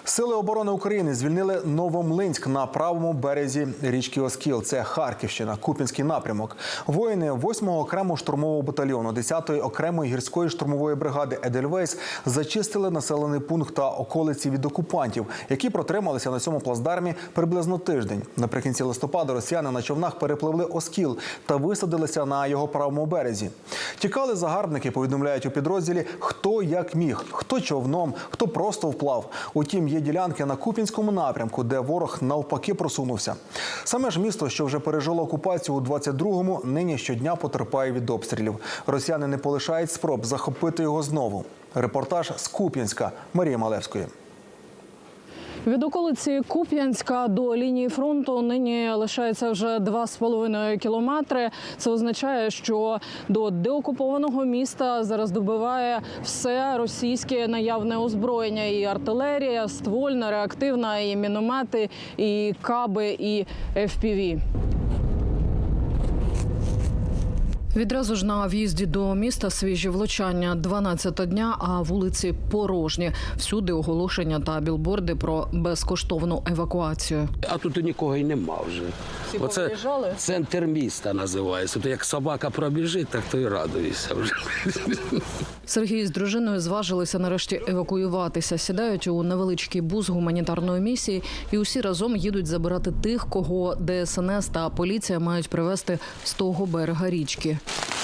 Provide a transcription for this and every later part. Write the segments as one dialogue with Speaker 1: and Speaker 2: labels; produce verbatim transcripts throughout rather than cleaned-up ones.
Speaker 1: Сили оборони України звільнили Новомлинськ на правому березі річки Оскіл. Це Харківщина, Куп'янський напрямок. Воїни восьмого окремого штурмового батальйону десятої окремої гірської штурмової бригади «Едельвейс» зачистили населений пункт та околиці від окупантів, які протрималися на цьому плацдармі приблизно тиждень. Наприкінці листопада росіяни на човнах перепливли Оскіл та висадилися на його правому березі. Тікали загарбники, повідомляють у підрозділі, хто як міг, хто човном, хто просто вплав. Утім, є ділянки на Куп'янському напрямку, де ворог навпаки просунувся. Саме ж місто, що вже пережило окупацію у двадцять другому, нині щодня потерпає від обстрілів. Росіяни не полишають спроб захопити його знову. Репортаж з Куп'янська Марії Малевської.
Speaker 2: Від околиці Куп'янська до лінії фронту нині лишається вже два з половиною кілометри. Це означає, що до деокупованого міста зараз добиває все російське наявне озброєння. І артилерія, ствольна, реактивна, і міномети, і каби, і еф пі ві. Відразу ж на в'їзді до міста свіжі влучання. дванадцята дня, а вулиці порожні. Всюди оголошення та білборди про безкоштовну евакуацію.
Speaker 3: А тут нікого й нема вже.
Speaker 2: Всі
Speaker 3: Оце
Speaker 2: повиїжджали?
Speaker 3: центр міста називається. То як собака пробіжить, так то й радуйся вже.
Speaker 2: Сергій з дружиною зважилися нарешті евакуюватися. Сідають у невеличкий бус гуманітарної місії і усі разом їдуть забирати тих, кого де ес ен ес та поліція мають привезти з того берега річки.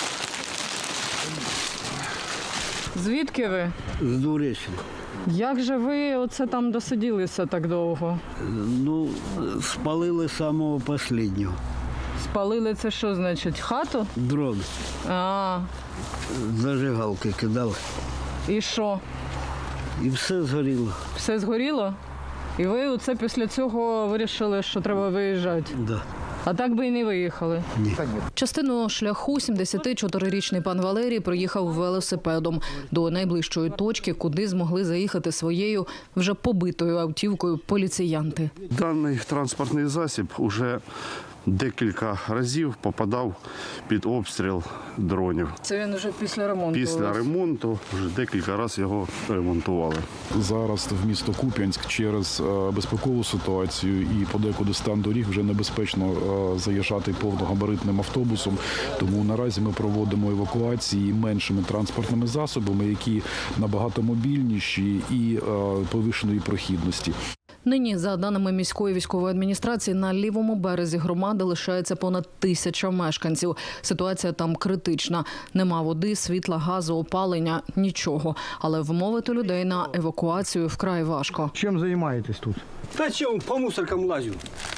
Speaker 2: Звідки ви?
Speaker 4: З Дуреччини.
Speaker 2: Як же ви оце там досиділися так довго?
Speaker 4: Ну, спалили самого останнього.
Speaker 2: Спалили це що значить? Хату?
Speaker 4: Дрон.
Speaker 2: А,
Speaker 4: Зажигалки кидали.
Speaker 2: і що?
Speaker 4: І все згоріло.
Speaker 2: Все згоріло? І ви оце після цього вирішили, що треба виїжджати?
Speaker 4: Да.
Speaker 2: А так би і не виїхали?
Speaker 4: Ні.
Speaker 2: Частину шляху сімдесятичотирирічний пан Валерій проїхав велосипедом до найближчої точки, куди змогли заїхати своєю вже побитою автівкою поліціянти.
Speaker 5: Даний транспортний засіб уже декілька разів попадав під обстріл дронів.
Speaker 2: Це він вже після ремонту?
Speaker 5: Після ремонту вже декілька разів його ремонтували.
Speaker 6: Зараз в місто Куп'янськ через безпекову ситуацію і подекуди стан доріг вже небезпечно заїжджати повногабаритним автобусом. Тому наразі ми проводимо евакуації меншими транспортними засобами, які набагато мобільніші і повищеної прохідності.
Speaker 2: Нині, за даними міської військової адміністрації, на лівому березі громади лишається понад тисяча мешканців. Ситуація там критична. Нема води, світла, газу, опалення – нічого. Але вмовити людей на евакуацію вкрай важко.
Speaker 7: Чем занимаетесь тут?
Speaker 8: Да чем, по мусоркам лазю.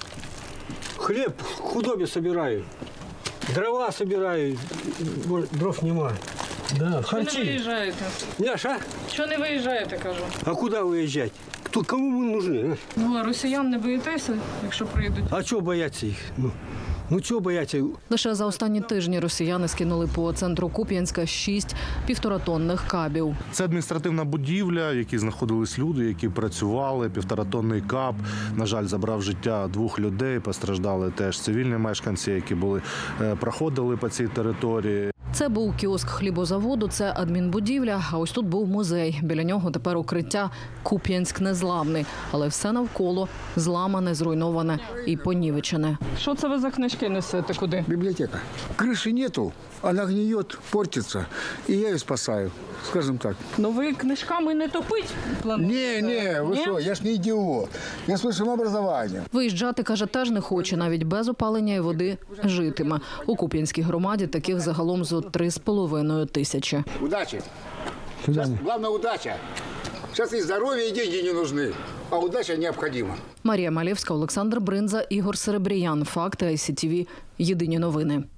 Speaker 8: Хлеб худобе собираю. Дрова собираю. Дров нема. Да, харчи.
Speaker 2: виїжджаєте?
Speaker 8: Няша,
Speaker 2: Що не виїжджаєте, кажу?
Speaker 8: а куда выезжать? Кто, кому мы нужны? А,
Speaker 2: Ну, а росіян не боїтеся, якщо прийдуть?
Speaker 8: а чего бояться их? Ну, ну чего бояться?
Speaker 2: Лише за останні тижні росіяни скинули по центру Куп'янська шість півторатонних кабів.
Speaker 9: Це адміністративна будівля, в якій знаходились люди, які працювали, півторатонний каб. На жаль, забрав життя двох людей, постраждали теж цивільні мешканці, які були, проходили по цій території.
Speaker 2: Це був кіоск хлібозаводу, це адмінбудівля, а ось тут був музей. Біля нього тепер укриття «Куп'янськ незламний». Але все навколо зламане, зруйноване і понівечене. Що це ви за книжки несете куди?
Speaker 7: Библиотека. Крыши нету, она гниет, портится, и я ее спасаю, скажем так.
Speaker 2: Ну ви книжками не топить плануєте?
Speaker 7: Не, не, вы
Speaker 2: Ні?
Speaker 7: что, я ж не идиот, я с высшим образованием.
Speaker 2: Виїжджати, каже, теж не хоче, навіть без опалення і води житиме. У Куп'янській громаді таких загалом зо три з половиною тисячі.
Speaker 7: Удачи. Сейчас, главное, удача. Сейчас и здоровье, и деньги не нужны, а удача необходима.
Speaker 2: Марія Малевська, Олександр Бринза, Ігор Серебріян. Факти ай сі ті ві. Єдині новини.